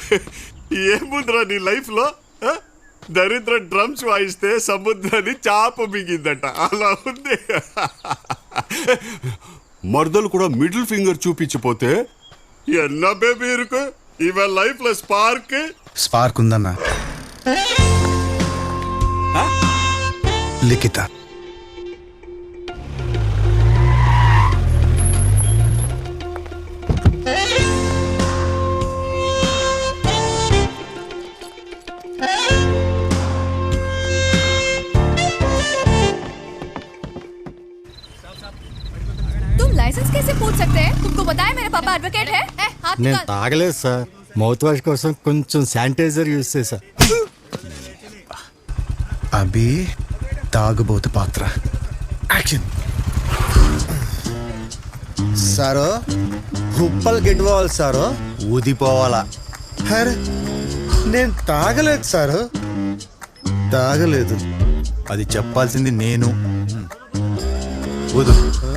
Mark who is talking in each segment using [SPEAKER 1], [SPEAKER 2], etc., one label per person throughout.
[SPEAKER 1] ఏముందిరా నీ లైఫ్ లో దరిద్ర డ్రమ్స్ వాయిస్తే సముద్రాన్ని చాప మిగిందట, అలా ఉంది. మర్దలు కూడా మిడిల్ ఫింగర్ చూపించిపోతే ఎన్నా బేబీ ఇరుకు. ఇవాళ లైఫ్ లో స్పార్క్
[SPEAKER 2] ఉందన్నా. లిఖిత
[SPEAKER 3] लाइसेंस कैसे पूछ सकते हैं? तुमको बताया मेरे पापा एडवोकेट है? हाथ
[SPEAKER 4] నేను తాగలేదు సార్, మౌత్ వాష్ కోసం కొంచెం శానిటైజర్ యూజ్ చేశా.
[SPEAKER 2] అభి తాగుబోతు పాత్ర యాక్షన్.
[SPEAKER 4] సారు కుప్పలు గిట్టుకోవాలి సారు, ఊదిపోవాలా.
[SPEAKER 2] అరే నేను తాగలేదు సారు, తాగలేదు.
[SPEAKER 4] అది చెప్పాల్సింది నేను. ఊదు.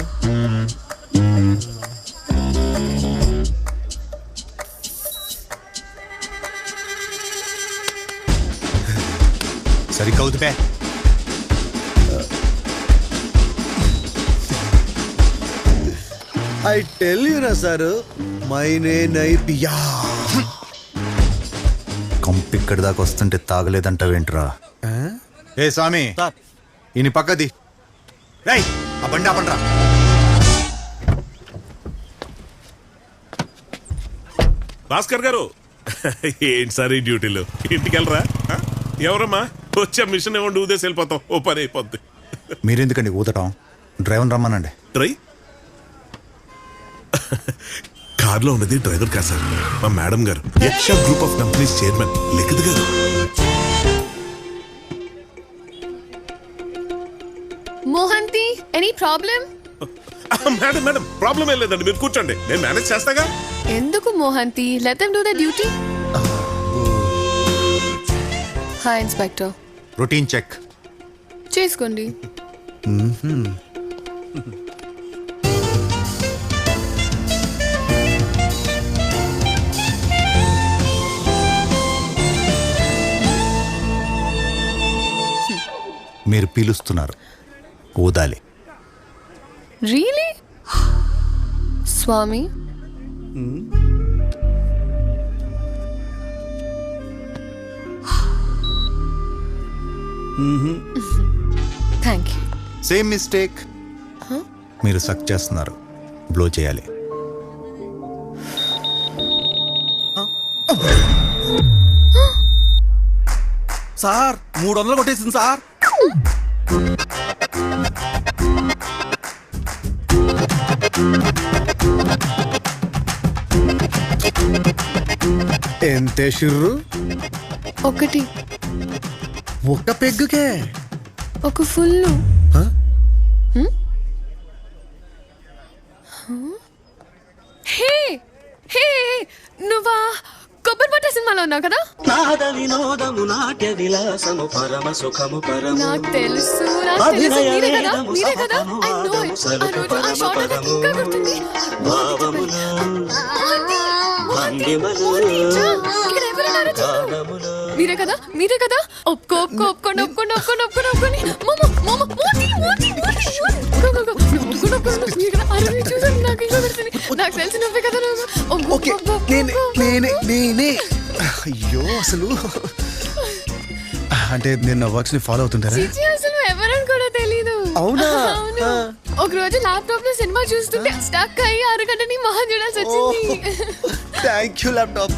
[SPEAKER 4] సరిగ్గా ఊదిపే.
[SPEAKER 2] ఐ టెల్ యూ నా సారు, మైనే నై పియా.
[SPEAKER 4] కంపు ఇక్కడి దాకా వస్తుంటే తాగలేదంటావేంట్రా? ఏ స్వామి, ఈయన పక్కది. రేయ్, ఆ బండి ఆపండ్రా.
[SPEAKER 1] భాస్కర్ గారు, ఏంటి సార్ ఈ డ్యూటీలు? ఇంటికి వెళ్ళరా? ఎవరమ్మా వచ్చా మిషన్ ఇవ్వండి, ఊదేసి వెళ్ళిపోతాం, ఓ పని అయిపోద్ది.
[SPEAKER 4] మీరెందుకండి ఊదటం? డ్రైవర్ రమ్మనండి.
[SPEAKER 1] డ్రై కార్లో ఉన్నది డ్రైవర్ కాదు సార్, మా మేడం గారు, Yaksha group of companies chairman Likhit గారు.
[SPEAKER 3] Mohanty, any problem?
[SPEAKER 1] Madam madam problem ఏం లేదండి, మీరు కూర్చోండి, నేను మేనేజ్ చేస్తాగా.
[SPEAKER 3] ఎందుకు Mohanty? Let them do the duty. Hi inspector.
[SPEAKER 4] Routine check
[SPEAKER 3] చేసుకోండి.
[SPEAKER 4] మీరు పీలుస్తున్నారు, ఊదాలి.
[SPEAKER 3] Really? Swami, thank you.
[SPEAKER 4] Same mistake. మీరు సక్ చేస్తున్నారు, బ్లో చేయాలి.
[SPEAKER 5] సార్ 300 కొట్టేసింది సార్.
[SPEAKER 2] ఎంతే షుర్రు?
[SPEAKER 3] ఒకటి.
[SPEAKER 2] ఒక్క పెగ్గుకే?
[SPEAKER 3] ఒక ఫుల్. హే హే, నువ్వా కొబ్బరి పట్ట సినిమాలో ఉన్నావు కదా? నాకు తెలుసు మీరే కదా, మీరే కదా. I know it. ఆ రోజు ఆ షాట్ నాకు ఇంకా గుర్తుంది. ఇక్కడ ఎవరున్నారో చూడు. మీరే కదా, మీరే కదా. ఒప్పుకోండి. నాకు తెలిసి నువ్వే కదా.
[SPEAKER 2] నేనే. అయ్యో, అసలు అంటే నేను నా వర్క్స్ ని ఫాలో అవుతుంటారా?
[SPEAKER 3] అసలు ఎవరని కూడా తెలీదు.
[SPEAKER 2] అవునా?
[SPEAKER 3] ఒక రోజు ల్యాప్టాప్ లో సినిమా చూస్తుంటే స్టక్ అయ్యి 6 గంటని మొహం చూడాల్సి వచ్చింది.
[SPEAKER 2] Thank you laptop.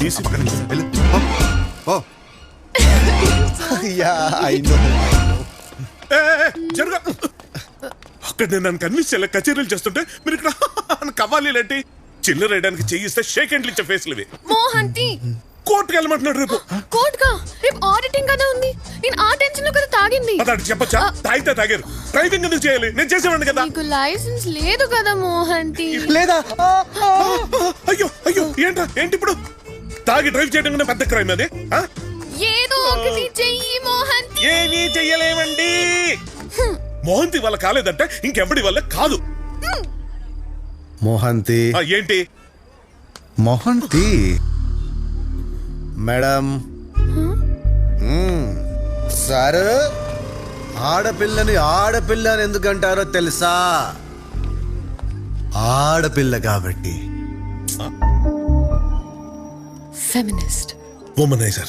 [SPEAKER 1] అక్కడ నేను నన్ను కన్విన్స్ చేయాలి, కచేరీలు చేస్తుంటే మీరు ఇక్కడ కవ్వాలి లాంటి చిల్లర వేయడానికి చేయిస్తే షేక్ హ్యాండ్లు ఇచ్చే ఫేస్లు ఇవి.
[SPEAKER 3] మోహంతి
[SPEAKER 1] కోర్టుకు వెళ్ళమంటున్నాడు. రేపు
[SPEAKER 3] కోర్టుగా? రేపు ఆడిటింగ్ కదా ఉంది. నేను ఆ టెన్షన్ లో కదా తాగింది.
[SPEAKER 1] అదాడు చెప్పచ్చా? తాగితే తాగారు, డ్రైవింగ్ ఎందుకు చేయాలి? నేను చేసేవాడిని కదా.
[SPEAKER 3] నీకు లైసెన్స్ లేదు కదా మోహంతి.
[SPEAKER 2] లేదా?
[SPEAKER 1] అయ్యో ఏంటి ఇప్పుడు? తాగి డ్రైవ్ చేయడం కన్నా పెద్ద క్రైమ్ అది.
[SPEAKER 3] ఏదో ఒకటి చెయ్యి మోహంతి.
[SPEAKER 1] ఏమీ చెయ్యలేమండి. మోహంతి వల్ల కాలేదంటే ఇంకెవడి వల్ల కాదు.
[SPEAKER 2] మోహంతి
[SPEAKER 1] ఏంటి?
[SPEAKER 2] మోహంతి మేడం సార్ ఆడపిల్లని ఆడపిల్ల అని ఎందుకంటారో తెలుసా? ఆడపిల్ల కాబట్టి.
[SPEAKER 3] ఫెమినిస్ట్.
[SPEAKER 1] ఉమనైజర్.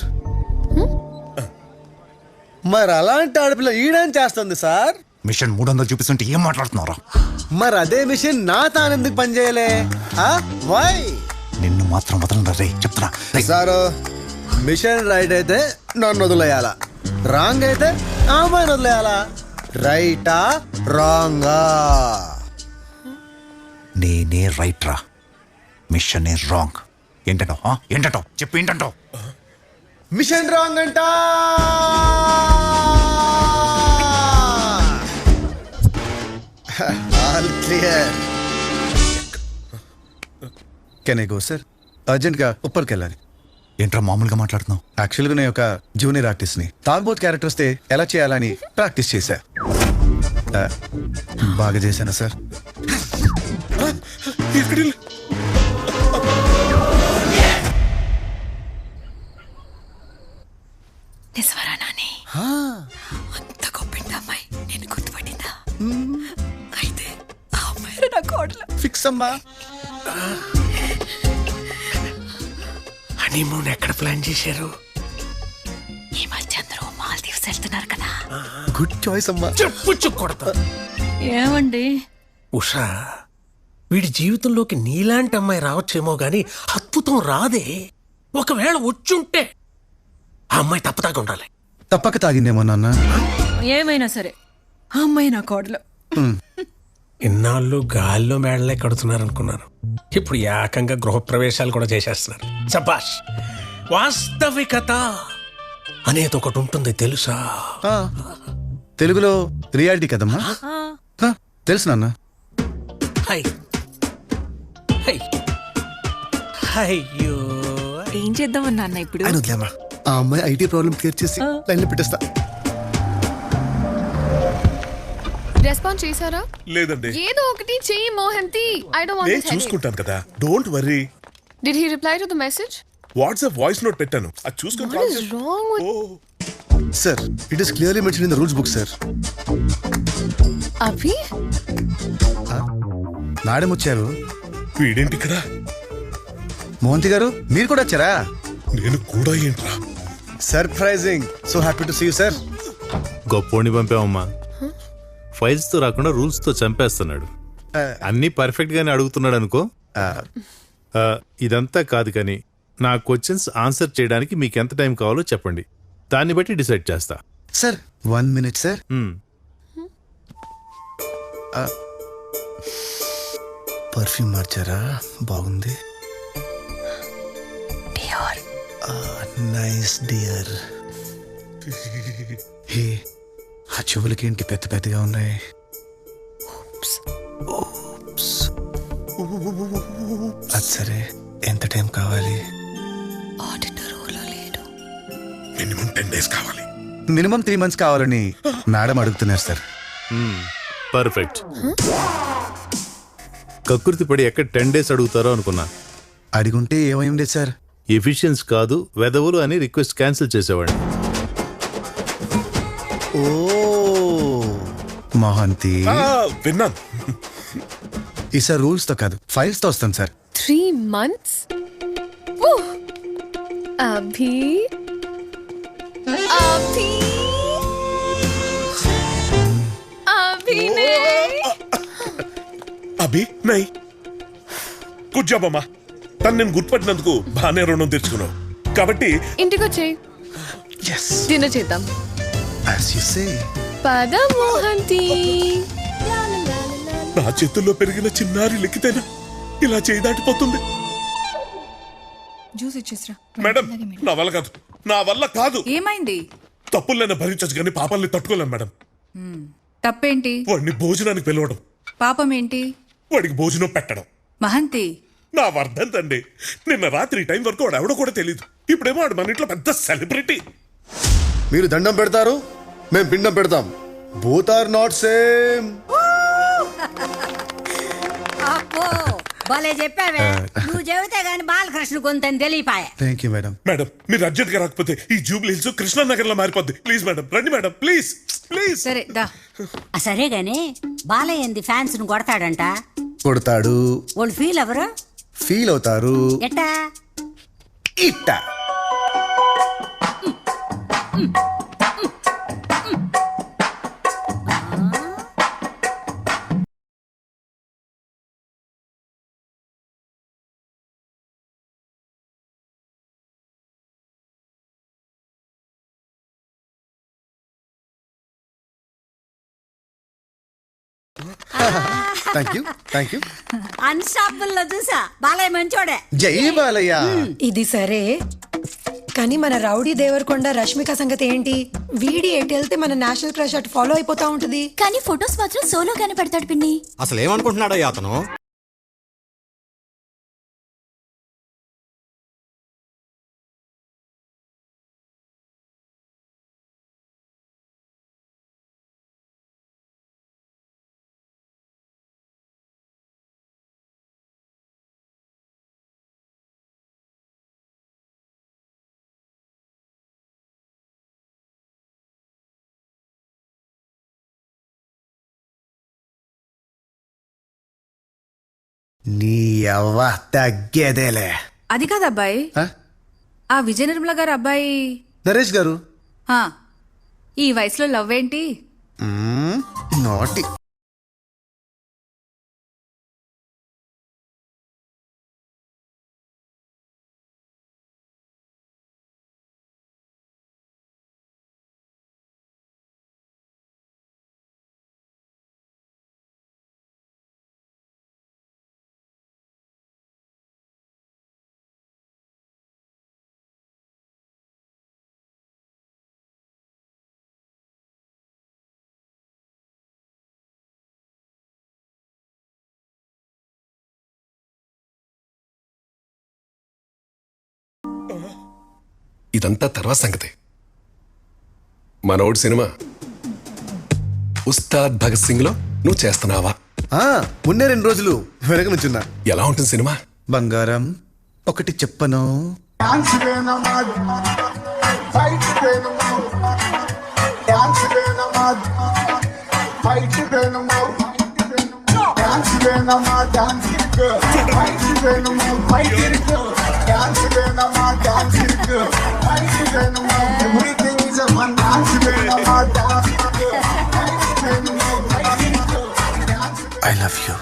[SPEAKER 2] మరి అలాంటి ఆడపిల్ల ఈడేం చేస్తుంది సార్?
[SPEAKER 4] మిషన్ 300 చూపిస్తుంటే ఏం మాట్లాడుతున్నారా?
[SPEAKER 2] మరి అదే మిషన్ నా తానెందుకు పనిచేయలే? వై?
[SPEAKER 4] నిన్ను మాత్రం వదలరా రే, చెప్తున్నా.
[SPEAKER 2] సారు మిషన్ రైట్ అయితే నన్ను వదిలేయాలా, రాంగ్ అయితే అమ్మాయిని వదిలేయాలా? రైటా రాంగా?
[SPEAKER 4] నేనే రైట్ రా, మిషన్ ఏ రాంగ్. ఏంటంటావు చెప్పు, ఏంటంటావు?
[SPEAKER 2] మిషన్ రాంగ్ అంట. All clear. Can I go sir? అర్జెంట్గా ఉప్పర్కి వెళ్ళాలి.
[SPEAKER 4] ఏంట్రా మామూలుగా మాట్లాడుతున్నావు?
[SPEAKER 2] యాక్చువల్గా నేను ఒక జూనియర్ ఆర్టిస్ట్ని. తాగ్బోత్ క్యారెక్టర్ వస్తే ఎలా చేయాలని ప్రాక్టీస్ చేశా. బాగా చేశానా సార్?
[SPEAKER 3] నిజవరా నాని? అంత గొప్పింది అమ్మాయి నేను గుర్తుపట్టిందా? అయితే ఆ అమ్మాయి నా కోడలు.
[SPEAKER 2] ఫిక్స్ అమ్మా.
[SPEAKER 6] హనీమూన్ ఎక్కడ ప్లాన్ చేశారు?
[SPEAKER 3] ఈ మధ్య అందరూ మాల్దీవ్స్ వెళ్తున్నారు కదా.
[SPEAKER 2] గుడ్ చాయిస్ అమ్మా.
[SPEAKER 6] చెప్పు కొడతా.
[SPEAKER 3] ఏమండి?
[SPEAKER 6] ఉషా, వీడి జీవితంలోకి నీలాంటి అమ్మాయి రావచ్చేమో గాని అద్భుతం రాదే. ఒకవేళ వచ్చుంటే ఆ అమ్మాయి తప్పదాకా ఉండాలి.
[SPEAKER 2] తప్పక తాగిందేమో నాన్న.
[SPEAKER 3] ఏమైనా సరే ఆ అమ్మాయి నా కోడలు.
[SPEAKER 6] ఇన్నాళ్ళు గాల్లో మేడలే కడుతున్నారు అనుకున్నాను, ఇప్పుడు ఏకంగా గృహప్రవేశాలు కూడా చేసేస్తున్నారు. శభాష్. వాస్తవికత అనేది ఒకటి ఉంటుంది తెలుసా?
[SPEAKER 2] తెలుగులో రియాలిటీ కదమ్మా. తెలుసు నాన్న.
[SPEAKER 6] హై హై అయ్యో,
[SPEAKER 3] ఏం చేద్దామన్నా అన్న ఇప్పుడు?
[SPEAKER 2] ఆ అమ్మాయి ఐటీ ప్రాబ్లం క్లియర్ చేసి లైన్లో పెట్టేస్తా.
[SPEAKER 3] రెస్పాన్స్ చేశారా?
[SPEAKER 1] లేదండి.
[SPEAKER 3] ఏదో ఒకటి చెయ్యి మోహంతి. ఐ డోంట్ వాంట్
[SPEAKER 1] నేను
[SPEAKER 3] దిస్ హెడేక్.
[SPEAKER 1] చూసుకుంటాను కదా, don't worry.
[SPEAKER 3] Did he reply to the message?
[SPEAKER 1] WhatsApp voice note పెట్టాను, అది చూసుకొని
[SPEAKER 3] What
[SPEAKER 1] కాల్
[SPEAKER 3] is
[SPEAKER 1] చేయి.
[SPEAKER 3] wrong with
[SPEAKER 2] sir it is clearly mention in the rules book sir.
[SPEAKER 3] Abhi?
[SPEAKER 2] Madam వచ్చారు.
[SPEAKER 1] వీడేంటి ఇక్కడ?
[SPEAKER 2] మోహంతి గారు మీరు కూడా వచ్చారా?
[SPEAKER 1] నేను కూడా ఏంట్రా?
[SPEAKER 2] Surprising. So happy to see you sir.
[SPEAKER 7] గొప్పోడిని పంపామమ్మా. ఫైల్స్ తో రాకుండా రూల్స్ తో చంపేస్తున్నాడు. అన్ని పర్ఫెక్ట్ గానే అడుగుతున్నాడు అనుకో. ఇదంతా కాదు కానీ నా క్వశ్చన్స్ ఆన్సర్ చేయడానికి మీకు ఎంత టైం కావాలో చెప్పండి, దాన్ని బట్టి డిసైడ్ చేస్తా.
[SPEAKER 2] Sir 1 minute sir. పర్ఫ్యూమ్ మార్చారా? బాగుంది. Nice dear. హే, ఆ చెవులకి ఏంటి పెద్ద పెద్దగా ఉన్నాయి? అది సరే, ఎంత టైం కావాలి?
[SPEAKER 1] మినిమం 10 days కావాలి.
[SPEAKER 2] మినిమం 3 months కావాలని మేడం అడుగుతున్నారు సార్.
[SPEAKER 7] పర్ఫెక్ట్. కకృతి పడి ఎక్కడ 10 days అడుగుతారో అనుకున్నా.
[SPEAKER 2] అడిగుంటే ఏమైంది సార్?
[SPEAKER 7] ఎఫిషియన్స్ కాదు వెదవులు అని రిక్వెస్ట్ క్యాన్సిల్ చేసేవాడిని.
[SPEAKER 2] ఓ మోహంతి,
[SPEAKER 1] విన్నాను.
[SPEAKER 2] ఈసారి రూల్స్ తో కాదు ఫైల్స్ తో వస్తాం సార్.
[SPEAKER 3] 3 months? అభి అభి అభినయ్.
[SPEAKER 1] అభి నై. గుడ్ జాబ్ అమ్మా. తను నేను గుర్తుపట్టినందుకు బాగానే రుణం తెచ్చుకున్నావు కాబట్టి
[SPEAKER 3] ఇంటికి వచ్చేయ్,
[SPEAKER 2] yes
[SPEAKER 3] డిన్నర్ చేద్దాం.
[SPEAKER 2] as you say.
[SPEAKER 3] పద మోహంతి.
[SPEAKER 1] నా చేతుల్లో పెరిగిన చిన్నారి లిక్కితేనా ఇలా చేయి దాటిపోతుంది?
[SPEAKER 8] జ్యూస్ ఇచ్చేసిరా.
[SPEAKER 1] మేడం నా వల్ల కాదు, నా వల్ల కాదు.
[SPEAKER 8] ఏమైంది?
[SPEAKER 1] తప్పులైనా భరించచ్చు కానీ పాపాలని తట్టుకోలేం మేడం.
[SPEAKER 8] తప్పేంటి?
[SPEAKER 1] వాడిని భోజనానికి పిలవడం,
[SPEAKER 8] పాపం ఏంటి?
[SPEAKER 1] వాడికి భోజనం పెట్టడం.
[SPEAKER 8] మహంతి,
[SPEAKER 1] నా వర్ధంతండి. నిన్న రాత్రి ఈ టైం వరకు వాడు ఎవడో కూడా తెలియదు. ఇప్పుడేమో వాడు మన ఇంట్లో పెద్ద సెలబ్రిటీ.
[SPEAKER 2] మీరు దండం పెడతారు, మేము పిండం పెడతాం. Both are not same.
[SPEAKER 9] భలే చెప్పావే నువ్వు చెబితే గాని బాలకృష్ణ కొంతని తెలియపాయే.
[SPEAKER 2] Thank you madam.
[SPEAKER 1] మేడం మీరు అర్జెంట్ గా రాకపోతే ఈ జూబ్లీ హిల్స్ కృష్ణానగర్ లో మారిపోద్ది. ప్లీజ్ మేడం రండి మేడం ప్లీజ్ ప్లీజ్.
[SPEAKER 8] సరే దా.
[SPEAKER 9] సరే గాని బాలయ్య ఏంది ఫ్యాన్స్ ను కొడతాడంట.
[SPEAKER 2] కొడతాడు,
[SPEAKER 9] వాళ్ళు ఫీల్ ఎవరు
[SPEAKER 2] ఫీల్ అవుతారు.
[SPEAKER 9] ఎట్టా?
[SPEAKER 2] ఇట్ట thank you thank you.
[SPEAKER 9] Unstoppable లో చూసా బాలయ్య మంచోడే.
[SPEAKER 2] జై బాలయ్య.
[SPEAKER 10] ఇది సరే కానీ మన రౌడీ దేవరకొండ రష్మిక సంగతి ఏంటి? వీడి ఎటు వెళ్తే మన నేషనల్ క్రష్ అటు ఫాలో అయిపోతా ఉంటది.
[SPEAKER 3] కానీ ఫొటోస్ మాత్రం సోలోగానే పెడతాడు పిన్ని.
[SPEAKER 5] అసలు ఏమనుకుంటున్నాడో అతను?
[SPEAKER 2] నీ అవ్వ తగ్గేదేలే.
[SPEAKER 8] అది కాదు అబ్బాయి,
[SPEAKER 2] ఆ?
[SPEAKER 8] ఆ విజయ నిర్మల గారు అబ్బాయి.
[SPEAKER 2] నరేష్ గారు.
[SPEAKER 8] ఆ, ఈ వయసులో లవ్ ఏంటి?
[SPEAKER 2] నాటి
[SPEAKER 11] ఇదంతా తర్వాత సంగతి. మనోడు సినిమా ఉస్తాద్ భగత్ సింగ్ లో నువ్వు చేస్తున్నావా?
[SPEAKER 2] ఉన్నే 2 రోజులు వెనకనుచున్నా.
[SPEAKER 11] ఎలా ఉంటుంది సినిమా?
[SPEAKER 2] బంగారం ఒకటి చెప్పను. I love you.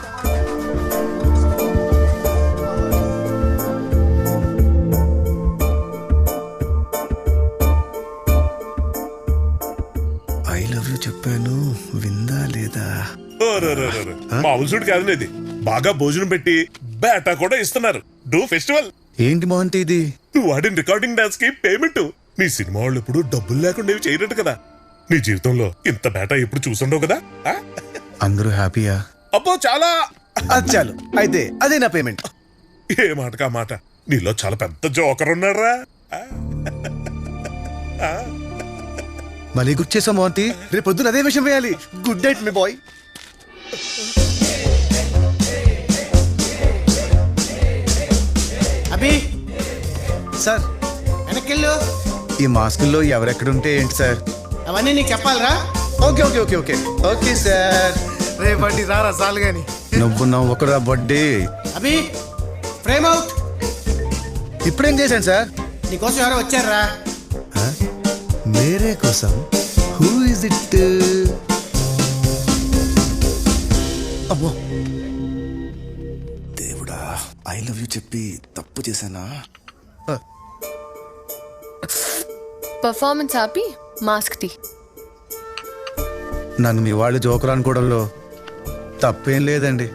[SPEAKER 2] I love you చెప్పాను, విందా లేదా?
[SPEAKER 1] మామూలు చూడు కాదు ఇది. బాగా భోజనం పెట్టి బేటా కూడా ఇస్తున్నారు. డూ ఫెస్టివల్.
[SPEAKER 2] ఏంటి మోహంతి ఇది?
[SPEAKER 1] నువ్వు వాడిన రికార్డింగ్ డాన్స్ కి పేమెంట్. నీ సినిమా వాళ్ళు ఎప్పుడు డబ్బులు లేకుండా ఇవి చేయరట్టు కదా. నీ జీవితంలో ఇంత బేటా ఎప్పుడు చూసుండవు కదా.
[SPEAKER 2] అందరూ హ్యాపీయా?
[SPEAKER 1] అబ్బో చాలా.
[SPEAKER 2] అది చాలు అయితే అదే నా పేమెంట్.
[SPEAKER 1] ఏ మాటకా మాట. నీలో చాలా పెద్ద జోకర్ ఉన్నారా.
[SPEAKER 2] మళ్ళీ గుర్తు చేసా మోహంతి, రేపు పొద్దున అదే విషయం వేయాలి. గుడ్ నైట్ మీ బాయ్.
[SPEAKER 5] అభి
[SPEAKER 2] సార్
[SPEAKER 5] వెనకెళ్ళు.
[SPEAKER 2] ఈ మాస్కుల్లో ఎవరెక్కడుంటే ఏంటి సార్?
[SPEAKER 5] అవన్నీ నీకు చెప్పాలరా?
[SPEAKER 2] Okay okay okay okay okay sir.
[SPEAKER 5] రేపటి రారా సాలు గాని.
[SPEAKER 2] నువ్వు నవ్వకురా బడ్డీ.
[SPEAKER 5] Abhi frame out.
[SPEAKER 2] ఇప్పుడేం చేశాను సార్?
[SPEAKER 5] నీకోసం ఎవరో వచ్చారా?
[SPEAKER 2] మేరే కోసం. Who is it? అమ్మో దేవుడా, ఐ లవ్ యూ చెప్పి తప్పు చేశానా?
[SPEAKER 3] పర్ఫార్మెన్స్ ఆపి మాస్క్ తీ.
[SPEAKER 2] నన్ను మీ వాళ్ళు జోకర్ అనుకోవడంలో తప్పేం లేదండి.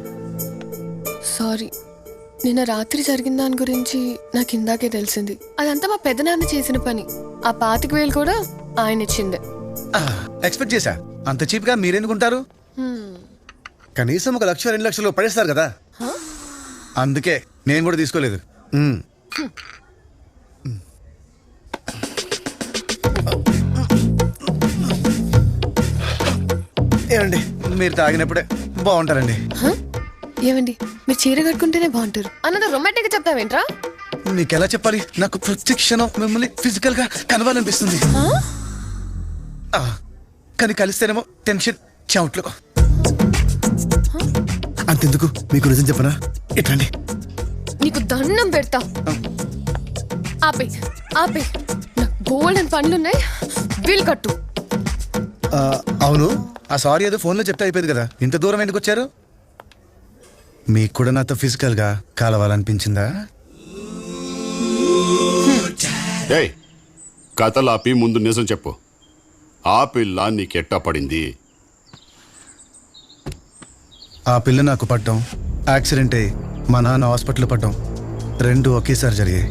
[SPEAKER 3] సారీ, నిన్న రాత్రి జరిగిన దాని గురించి నాకు ఇందాకే తెలిసింది. అదంతా మా పెద్దనాన్న చేసిన పని. ఆ 25,000 కూడా ఆయన ఇచ్చిందే.
[SPEAKER 2] ఎక్స్పెక్ట్ చేశా. అంత చీప్ గా మీరెందుకుంటారు? కనీసం 1 లక్ష 2 లక్షలు పడేస్తారు కదా. అందుకే నేను కూడా తీసుకోలేదు. ఏమండి, మీరు తాగినప్పుడే బాగుంటారండి.
[SPEAKER 3] ఏమండి మీరు చీర కట్టుకుంటేనే బాగుంటారు అన్నది రొమాంటిక్ గా చెప్తావేంట్రా?
[SPEAKER 2] మీకు ఎలా చెప్పాలి? నాకు ప్రతి క్షణం మిమ్మల్ని ఫిజికల్ గా కలవాలనిపిస్తుంది. ఆ, కానీ కలిస్తేనేమో టెన్షన్ చెమట్లు. అంతెందుకు, మీకు నిజం చెప్పనా? ఇట్రండి.
[SPEAKER 3] నీకు దండం పెడతా. ఆపే ఆపే, నాకు బోల్డెన్ పనులున్నాయి, బిల్ కట్టు.
[SPEAKER 2] అవును, ఆ సారీ ఏదో ఫోన్లో చెప్తే అయిపోయింది కదా, ఇంత దూరం ఎందుకు వచ్చారు? మీకు కూడా నాతో ఫిజికల్ గా కలవాలనిపించిందా?
[SPEAKER 12] ఏయ్, కథలాపి ముందు నిజం చెప్పు. ఆ పిల్ల నీకెట్టా పడింది?
[SPEAKER 2] ఆ పిల్ల నాకు పడ్డం, యాక్సిడెంట్ అయ్యి మా నాన్న హాస్పిటల్ పడ్డం, రెండు ఒకేసారి జరిగాయి.